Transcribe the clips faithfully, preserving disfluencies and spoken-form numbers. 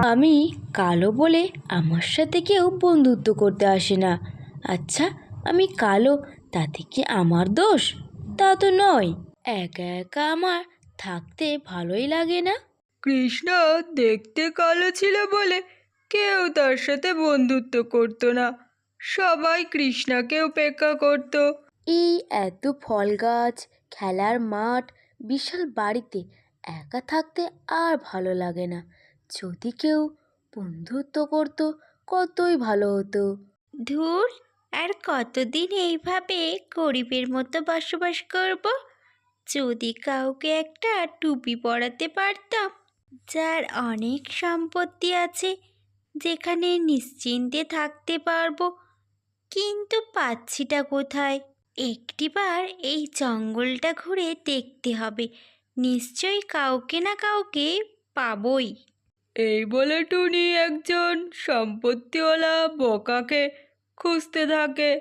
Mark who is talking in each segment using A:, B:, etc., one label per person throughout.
A: আমি কালো বলে আমার সাথে কেউ বন্ধুত্ব করতে আসে না। আচ্ছা, আমি কালো তাতে কি আমার দোষ? তা তো নয়। একা একা আমার থাকতে ভালোই লাগে না।
B: কৃষ্ণা দেখতে কালো ছিল বলে কেউ তার সাথে বন্ধুত্ব করতো না। সবাই কৃষ্ণাকে উপেক্ষা করত।
A: এই এত ফল গাছ, খেলার মাঠ, বিশাল বাড়িতে একা থাকতে আর ভালো লাগে না। যদি কেউ বন্ধুত্ব করতো কতই ভালো হতো।
C: ধুর, আর কতদিন এইভাবে গরিবের মতো বসবাস করব? যদি কাউকে একটা টুপি পরাতে পারতাম, যার অনেক সম্পত্তি আছে, যেখানে নিশ্চিন্তে থাকতে পারবো। কিন্তু পাচ্ছিটা কোথায়? একটিবার এই জঙ্গলটা ঘুরে দেখতে হবে, নিশ্চয়ই কাউকে না কাউকে পাবই।
B: এই বলে টুনি একজন সম্পত্তিওয়ালা বোকাকে খুঁজতে থাকে।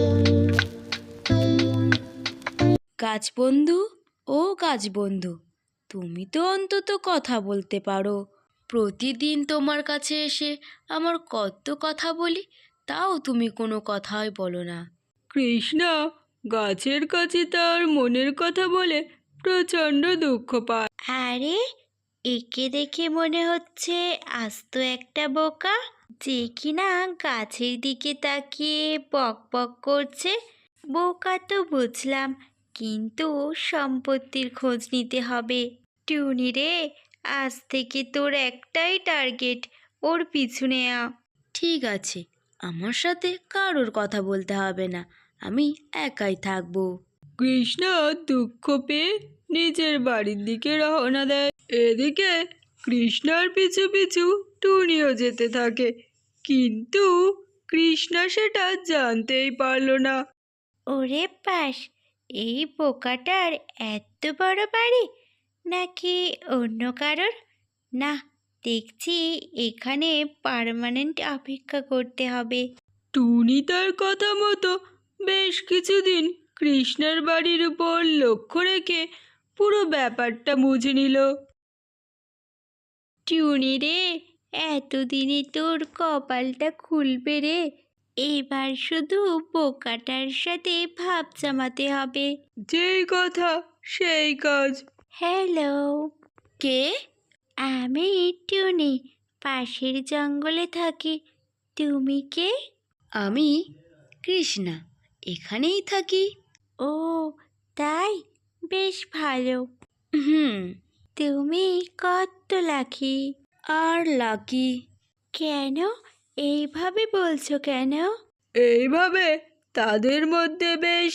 A: গাছ বন্ধু, ও গাছ বন্ধু, তুমি তো অন্তত কথা বলতে পারো। প্রতিদিন তোমার কাছে এসে আমার কত কথা বলি, তাও তুমি কোনো কথাই বলো না।
B: কৃষ্ণা গাছের কাছে তার মনের কথা বলে প্রচণ্ড দুঃখ পায়।
C: আরে, একে দেখে মনে হচ্ছে আস্ত একটা বোকা, যে কিনা গাছের দিকে তাকিয়ে বক বক করছে। বোকা তো বুঝলাম, কিন্তু সম্পত্তির খোঁজ নিতে হবে। টুনি রে, আজ থেকে তোর একটাই টার্গেট, ওর পিছনে আ।
A: ঠিক আছে, আমার সাথে কারোর কথা বলতে হবে না, আমি একাই থাকবো।
B: কৃষ্ণা দুঃখ পেয়ে নিজের বাড়ির দিকে রওনা দেয়। এদিকে কৃষ্ণার পিছু পিছু টুনিও যেতে থাকে, কিন্তু কৃষ্ণা সেটা জানতেই পারল না।
C: ওরে পাস, এই বোকাটার এত বড় বাড়ি, নাকি অন্য কারোর? না, দেখছি এখানে পার্মানেন্ট অপেক্ষা করতে হবে।
B: টুনি তার কথা মতো বেশ কিছুদিন কৃষ্ণার বাড়ির উপর লক্ষ্য রেখে পুরো ব্যাপারটা বুঝে নিল।
C: টুনি রে, এতদিনে তোর কপালটা খুলবে রে। এবার শুধু বোকাটার সাথে ভাব জমাতে হবে।
B: যেই কথা সেই কাজ।
C: হ্যালো,
A: কে?
C: আমি টুনি, পাশের জঙ্গলে থাকি। তুমি কে?
A: আমি কৃষ্ণা, এখানেই থাকি।
C: ও, তাই? বেশ ভালো।
A: হুম।
C: তুমি কত লাকি?
A: আর লাকি?
C: কেন এইভাবে বলছো কেন?
B: এইভাবে তাদের মধ্যে বেশ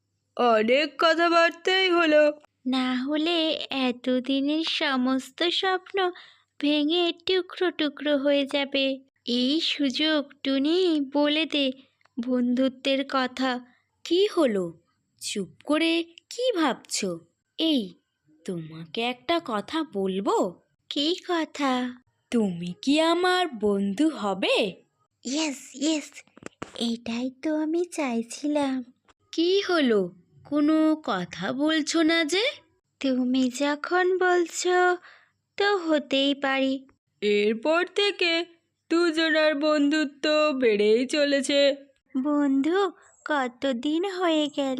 B: অনেক কথাবার্তাই হলো।
C: না হলে এতদিনের সমস্ত স্বপ্ন ভেঙে টুকরো টুকরো হয়ে যাবে। এই সুযোগ টুনি, বলে দে বন্ধুত্বের কথা।
A: কি হলো? চুপ করে কি ভাবছো? এই, তোমাকে একটা কথা বলবো।
C: কি কথা?
A: তুমি কি আমার বন্ধু হবে?
C: ইয়েস ইয়েস, এটাই তো আমি চাইছিলাম।
A: কি হলো, কোনো কথা বলছো না যে?
C: তুমি যখন বলছো, তো হতেই পারি।
B: এরপর থেকে দুজনার বন্ধুত্ব বেড়েই চলেছে।
C: বন্ধু, কতদিন হয়ে গেল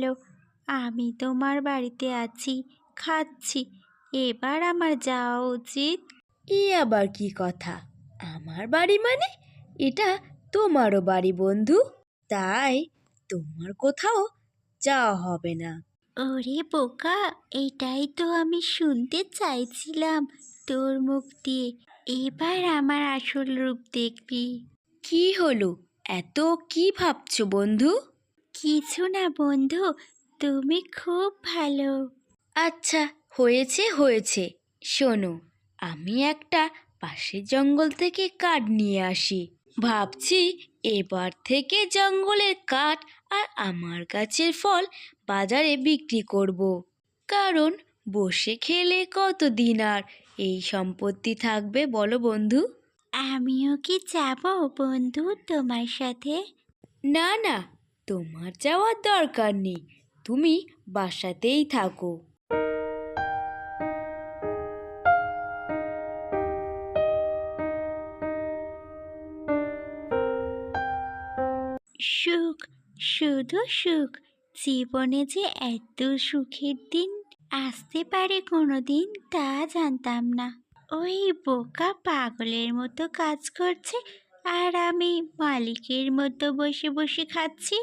C: আমি তোমার বাড়িতে আছি, খাচ্ছি। এবার আমার যাওয়া উচিত।
A: এ আবার কি কথা? আমার বাড়ি মানে? এটা তোমারও বাড়ি বন্ধু, তাই তোমার কোথাও যাওয়া হবে না।
C: ওরে বোকা, এটাই তো আমি শুনতে চাইছিলাম তোর মুখ দিয়ে। এবার আমার আসল রূপ দেখবি।
A: কি হলো, এত কি ভাবছো বন্ধু?
C: কিছু না বন্ধু, তুমি খুব ভালো।
A: আচ্ছা, হয়েছে হয়েছে, শোনো, আমি একটা পাশের জঙ্গল থেকে কাঠ নিয়ে আসি। ভাবছি এবার থেকে জঙ্গলের কাঠ আর আমার গাছের ফল বাজারে বিক্রি করব। কারণ বসে খেলে কতদিন আর এই সম্পত্তি থাকবে বলো বন্ধু?
C: আমিও কি যাব বন্ধু তোমার সাথে?
A: না না, তোমার যাওয়ার দরকার নেই, তুমি বাসাতেই থাকো।
C: সুখ, শুধু সুখ। জীবনে যে এত সুখের দিন আসতে পারে কোনোদিন তা জানতাম না। ওই বোকা পাগলের মতো কাজ করছে আর আমি মালিকের মতো বসে বসে খাচ্ছি।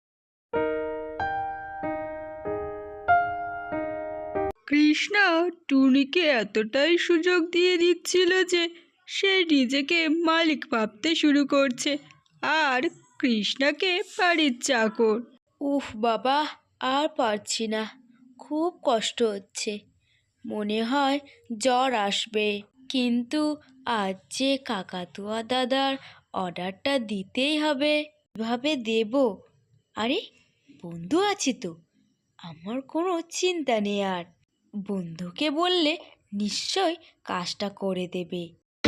B: কৃষ্ণা টুনিকে এতটাই সুযোগ দিয়ে দিচ্ছিল যে সে নিজেকে মালিক ভাবতে শুরু করছে আর কৃষ্ণাকে বাড়ির চাকর।
A: উফ বাবা, আর পারছি না, খুব কষ্ট হচ্ছে, মনে হয় জ্বর আসবে। কিন্তু আজ যে কাকাতুয়া দাদার অর্ডারটা দিতেই হবে, কিভাবে দেব? আরে, বন্ধু আছে তো, আমার কোনো চিন্তা নেই আর। বন্ধুকে বললে নিশ্চয় কাজটা করে দেবে।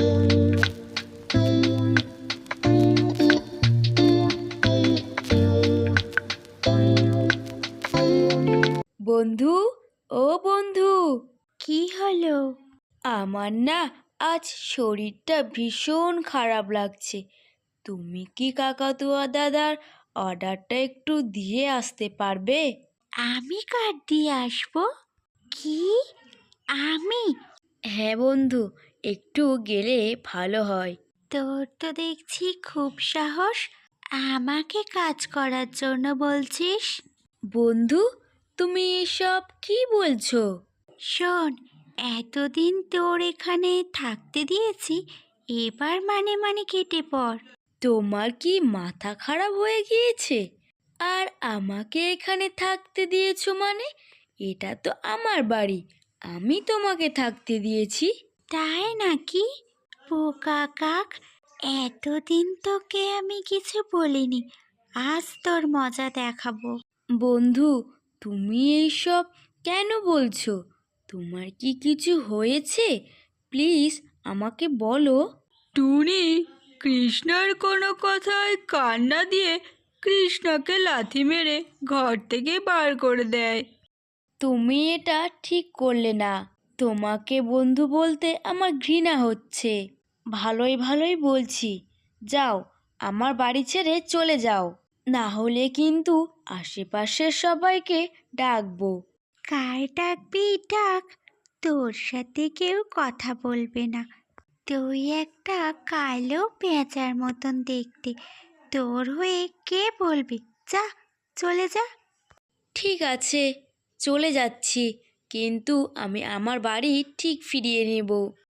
A: বন্ধু, ও বন্ধু,
C: কি হলো?
A: আমার না আজ শরীরটা ভীষণ খারাপ লাগছে। তুমি কি কাকাতুয়া দাদার অর্ডারটা একটু দিয়ে আসতে পারবে?
C: আমি কার্ড দিয়ে আসবো? কি? আমি?
A: হ্যাঁ বন্ধু, একটু গেলে ভালো হয়।
C: তোর তো দেখছি খুব সাহস, আমাকে কাজ করার জন্য বলছিস?
A: বন্ধু, তুমি এসব কি বলছো?
C: শোন, এতদিন তোর এখানে থাকতে দিয়েছি, এবার মানে মানে কেটে পড়।
A: তোমার কি মাথা খারাপ হয়ে গিয়েছে? আর আমাকে এখানে থাকতে দিয়েছো মানে? এটা তো আমার বাড়ি, আমি তোমাকে থাকতে দিয়েছি।
C: তাই নাকি? বোকা কাক, এতদিন তোকে আমি কিছু বলিনি, আজ তোর মজা দেখাবো।
A: বন্ধু, তুমি এইসব কেন বলছো? তোমার কি কিছু হয়েছে? প্লিজ আমাকে বলো।
B: টুনি কৃষ্ণার কোনো কথায় কান না দিয়ে কৃষ্ণাকে লাথি মেরে ঘর থেকে বার করে দেয়।
A: তুমি এটা ঠিক করলে না। তোমাকে বন্ধু বলতে আমার ঘৃণা হচ্ছে। ভালোই ভালোই বলছি, যাও, আমার বাড়ি ছেড়ে চলে যাও, না হলে কিন্তু আশেপাশের সবাইকে ডাকবো।
C: কার ডাকবি ডাক, তোর সাথে কেউ কথা বলবে না। তুই একটা কালো পেঁচার মতন দেখতে, তোর হয়ে কে বলবে? যা, চলে যা।
A: ঠিক আছে, চলে যাচ্ছি, কিন্তু আমি আমার বাড়ি ঠিক ফিরিয়ে নেব।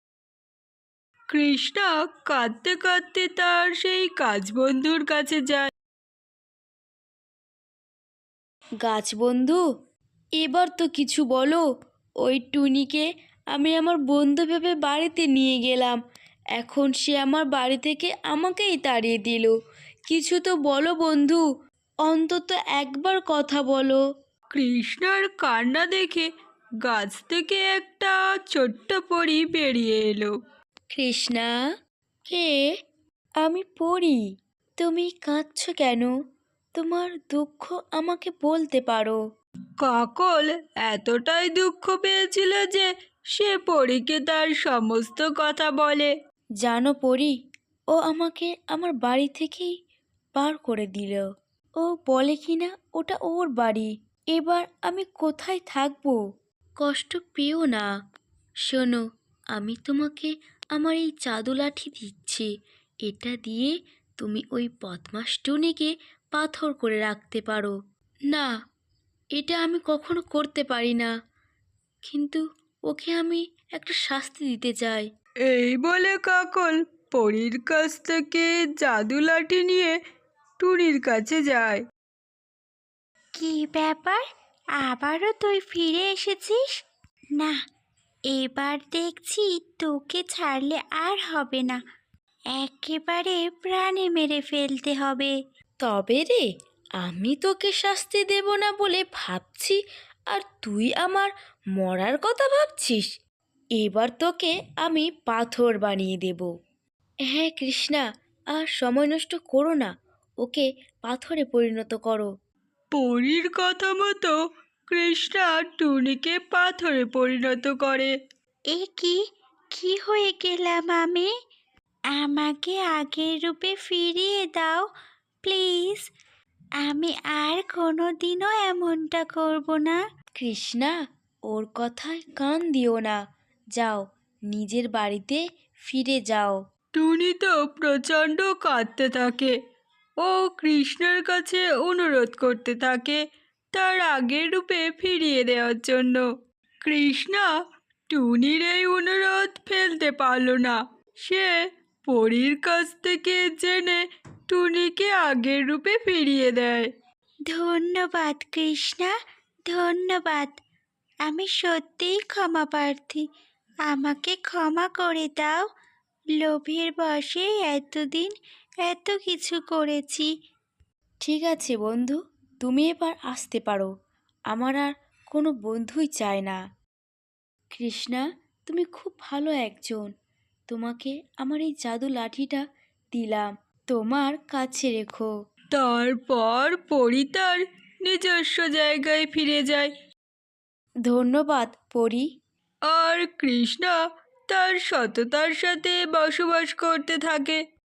B: কৃষ্ণা কাঁদতে কাঁদতে তার সেই কাজ বন্ধুর কাছে যায়।
A: গাছ বন্ধু, এবার তো কিছু বলো। ওই টুনিকে আমি আমার বন্ধু ভেবে বাড়িতে নিয়ে গেলাম, এখন সে আমার বাড়ি থেকে আমাকেই তাড়িয়ে দিল। কিছু তো বলো বন্ধু, অন্তত একবার কথা বলো।
B: কৃষ্ণার কান্না দেখে গাছ থেকে একটা ছোট্ট পরী বেরিয়ে এলো।
A: কৃষ্ণা, কে? আমি পড়ি। তুমি কাঁদছো কেন? তোমার দুঃখ আমাকে বলতে পারো।
B: কাকল এতটাই দুঃখ পেয়েছিল যে সে পরীকে তার সমস্ত কথা বলে।
A: জানো পরি, ও আমাকে আমার বাড়ি থেকেই বার করে দিল। ও বলে কিনা ওটা ওর বাড়ি। এবার আমি কোথায় থাকবো? কষ্ট পেও না। শোনো, আমি তোমাকে আমার এই জাদু লাঠি দিচ্ছি। এটা দিয়ে তুমি ওই বদমাস টুনিকে পাথর করে রাখতে পারো। না, এটা আমি কখনো করতে পারি না, কিন্তু ওকে আমি একটা শাস্তি দিতে চাই।
B: এই বলে কাকল পরীর কাছ থেকে জাদু লাঠি নিয়ে টুনির কাছে যায়।
C: কি ব্যাপার, আবারও তুই ফিরে এসেছিস? না, এবার দেখছি তোকে ছাড়লে আর হবে না, একেবারে প্রাণে মেরে ফেলতে হবে।
A: তবে রে, আমি তোকে শাস্তি দেব না বলে ভাবছি, আর তুই আমার মরার কথা ভাবছিস? এবার তোকে আমি পাথর বানিয়ে দেব। হ্যাঁ কৃষ্ণা, আর সময় নষ্ট করো না, ওকে পাথরে পরিণত করো।
B: পরীর কথা মতো কৃষ্ণা টুনিকে পাথরে পরিণত করে।
C: এ কি, কি হয়ে গেলাম আমি? আমাকে আগের রূপে ফিরিয়ে দাও, প্লিজ, আমি আর কোনো দিনও এমনটা করব না।
A: কৃষ্ণা, ওর কথায় কান দিও না। যাও, নিজের বাড়িতে ফিরে যাও।
B: টুনি তো প্রচণ্ড কাঁদতে থাকে। ও কৃষ্ণের কাছে অনুরোধ করতে থাকে তার আগের রূপে ফিরিয়ে দেওয়ার জন্য। কৃষ্ণা টুনির এই অনুরোধ ফেলতে পারল না। সে পরীর কাছ থেকে জেনে টুনিকে আগের রূপে ফিরিয়ে দেয়।
C: ধন্যবাদ কৃষ্ণা, ধন্যবাদ। আমি সত্যিই ক্ষমা প্রার্থী। আমাকে ক্ষমা করে দাও। লোভের বশে এতদিন এত কিছু করেছি।
A: ঠিক আছে বন্ধু, তুমি এবার আসতে পারো। আমার আর কোনো বন্ধুই চায় না। কৃষ্ণা, তুমি খুব ভালো একজন। তোমাকে আমার এই জাদু লাঠিটা দিলাম, তোমার কাছে রেখো।
B: তারপর পরী তার নিজস্ব জায়গায় ফিরে যায়।
A: ধন্যবাদ পরি।
B: আর কৃষ্ণা তার সততার সাথে বসবাস করতে থাকে।